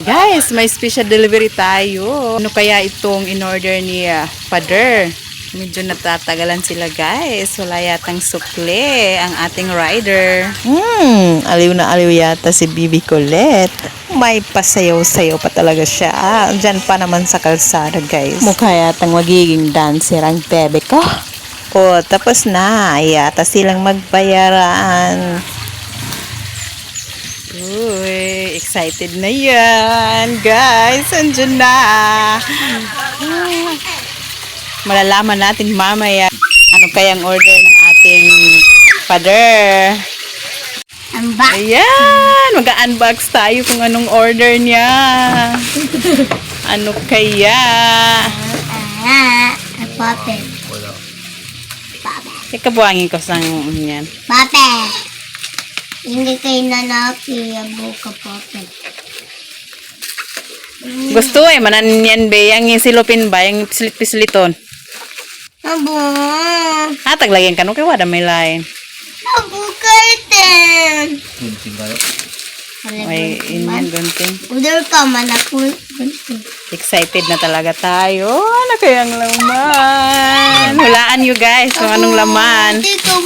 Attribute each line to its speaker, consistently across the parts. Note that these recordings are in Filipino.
Speaker 1: Guys, may special delivery tayo. Ano kaya itong in-order ni Father? Medyo natatagalan sila guys. Wala yatang sukle ang ating rider.
Speaker 2: Aliw na aliw yata si Bibi Colette. May pasayaw-sayaw pa talaga siya. Diyan pa naman sa kalsada guys.
Speaker 1: Mukha yatang magiging dancer ang bebe ko.
Speaker 2: Oh, tapos na. Yata silang magbayaran.
Speaker 1: Uy, excited na yan. Guys, andyan na. Malalaman natin mamaya ano kayang order ng ating Father.
Speaker 3: Unbox.
Speaker 1: Ayan, mag-unbox tayo kung anong order niya. Ano kaya?
Speaker 3: Puppet.
Speaker 1: Ikabuhangin ko sa yan.
Speaker 3: Puppet. Hindi kayo nanaki. Buka puppet.
Speaker 1: Gusto manan yan be, yung silupin ba, yung pislit-pisliton.
Speaker 3: Abo.
Speaker 1: Taglagyan ka, no kaya wala may lain.
Speaker 3: Abo curtain.
Speaker 1: May inyan, gunting.
Speaker 3: Order ka man ako.
Speaker 1: Excited na talaga tayo. Ano kayang laman? Hulaan nyo guys kung anong laman.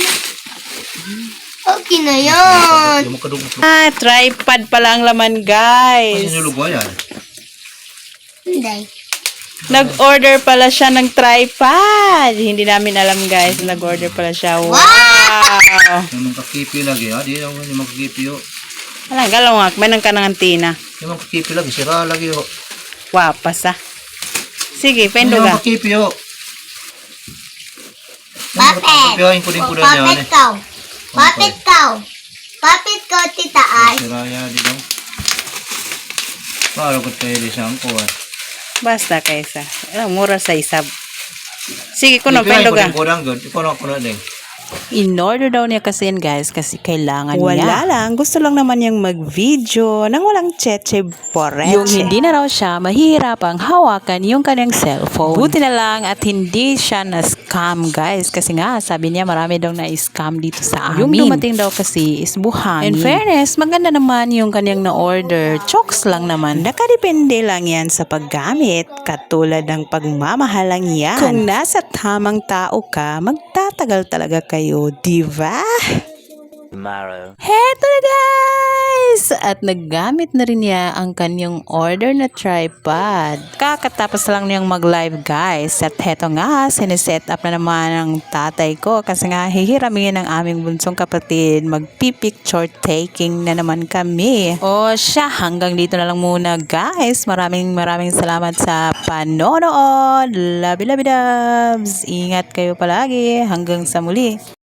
Speaker 3: Okay na yan.
Speaker 1: Tripod pala ang laman guys.
Speaker 3: Hindi.
Speaker 1: Nag-order pala siya ng tripod. Hindi namin alam guys. Nag-order pala siya. Wow!
Speaker 4: Yung kakipi lagi, ha? Di naman yung kakipi, ho.
Speaker 1: Alang, galawak. May nang kanang antina.
Speaker 4: Yung kakipi lagi, sira lagi, ho.
Speaker 1: Wapas ah. Sige, pendo
Speaker 4: Yung
Speaker 1: ka.
Speaker 4: kakipi, ho.
Speaker 3: Puppet. Puppet ka. Puppet ka. Puppet ka, tita ay.
Speaker 4: Sira yan, di daw. Paano ko tayo di siyang kuha?
Speaker 1: Basta kaysa. Mura sa isab. Sige, kuno, pendo ka.
Speaker 4: Ikaw na ako na din.
Speaker 2: In-order daw niya kasi yan guys kasi kailangan niya.
Speaker 1: Wala lang. Gusto lang naman niyang mag-video nang walang cheche poreche.
Speaker 2: Yung hindi na raw siya mahihirapang hawakan yung kanyang cellphone. Buti na lang at hindi siya na-scam guys. Kasi nga sabi niya marami daw na-scam dito sa amin. Yung dumating daw kasi is buhangin. In fairness, maganda naman yung kanyang na-order. Chokes lang naman.
Speaker 1: Nakadepende lang yan sa paggamit. Katulad ng pagmamahal lang yan. Kung nasa tamang tao ka, magtatagal talaga kayo, diba?
Speaker 2: Heto na guys! At naggamit na rin niya ang kanyang order na tripod. Kakatapos lang niyang mag-live guys. At heto nga, siniset up na naman ng tatay ko. Kasi nga hihiramin ng aming bunsong kapatid. Magpipicture taking na naman kami. O siya, hanggang dito na lang muna guys. Maraming salamat sa panonood. Labi-labi dubs! Ingat kayo palagi. Hanggang sa muli.